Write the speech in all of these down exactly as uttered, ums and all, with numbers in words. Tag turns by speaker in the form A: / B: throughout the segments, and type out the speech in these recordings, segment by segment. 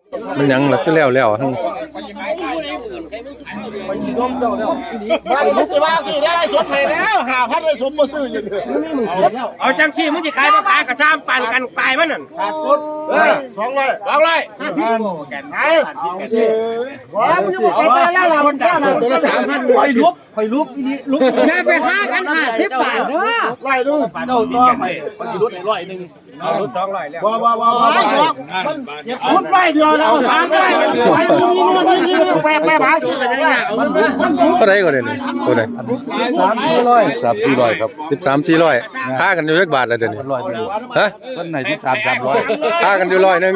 A: มันยังล่ะคือแล้วแล้วทั้ง
B: มันมึงจะว่าซื้อได้สมให้แล้วหาพันได้สมมาซื้ออย่างเดียวเอาจังที่มึงจะขายมาขายกระชามปั่นกันปลายมันนั่นขาดทุนสองร้อยสองร้อยห้าสิบไอ้ว้ามึงจะบอกไปแล้วเราคนจ้าเราตัวละสามพันคอยลุกคอยลุกอีนี่ลุกแค่ไปห้ากันห้าสิบบาทเด้อร้อยดูเจ้าตัวไปมันจะลดให้ร้อยหนึ่งเอาลดสองร้อยแล้วว้าวว้าวว้าวมันลดร้อยเดียวเราสามร้อยไปนี่นี่นี่นี่แปะแปะหาซื้อกันยังไง
A: เท่าไหร่ก็ได้นี่ตัวไหน
C: สามสี่ร้อยสามสี่ร้อยครับ
A: สิบสามสี่ร้อยค่ากันอยู่เลขบาทแล้วเดี๋ยวนี้
C: ร้อยหนึ่ง
A: ฮะ
C: ต้นไหนที่สามสามร้อย
A: ค่ากันอยู่ร้อยหนึ่ง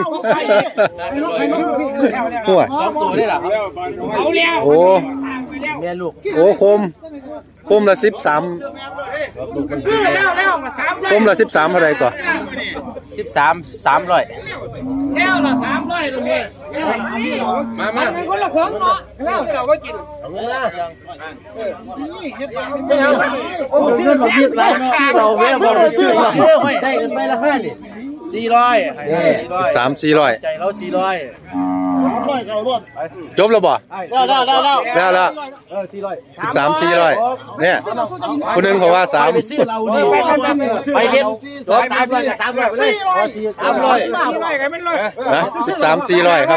A: หัว
B: ตัวได้หรอเอาแล้ว
A: โอ้
B: แม่ลูก
A: โอ้คมคมละสิบสาม
B: แล้วแล้วมาสาม
A: คมละสิบสามเท่าไหร่ก่อน
B: สิบสามสามร้อยแล้วละสามร้อยตรงนี้มามาเป็นคนละของเนาะแล้วเราก็กินเอาเงินละไม่เอาโอ้ยเงินเราเพียบไรเนาะเราแม่บอกเราซื้อได้กันไปละห้านี่สี่ร้อย
A: สามสี่ร้อย
C: ใจเราสี่ร้อย
A: จบแล้วบ่
B: ได้ได้ได้ได้
A: แล้วแล้ว
C: เออสี่ร้อย
A: สิบสามสี่ร้อยเนี่ยคนหนึ่งเขาว่าสาม
C: ไปซื้อเราดิไปเก็บร้อยสามร้อยกับสามร้อยไปเลยสามร้อย
A: นะสิบสามสี่ร้อยครับ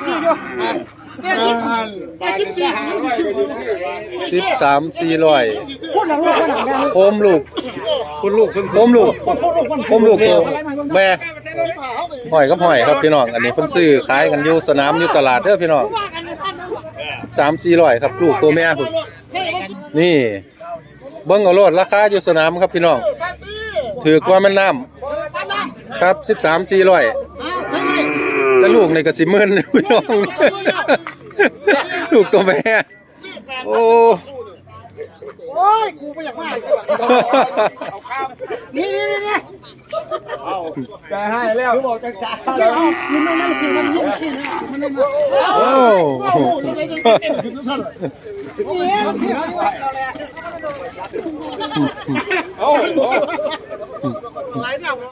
A: สิบสามสี่ร้อยโอมลูกคุณลูกโอมลูกโอมลูกตัวแม่หอยกับหอยครับพี่น้องอันนี้เพิ่นซื้อขายกันอยู่สนามอยู่ตลาดเด้อพี่น้องสิบสามสี่ร้อยครับลูกตัวแม่พุ่นนี่เบิ่งเอาโลดราคาอยู่สนามครับพี่น้องถือกว่ามันน้ำครับสิบสามสี่ร้อยแต่ลูกในกระสิมื่นพี่น้องลูกตัวแม่โอ้
B: โอ้ยกูไม่อยากมาเอาข้าวนี่นี่นี่นี่จะให้แล้วกูบอกจังสารมันไม่นั่งกินมันยิ่งกินมันไม่มาโอ้โหนี่ยังเต้นขึ้นทุกท่านเอา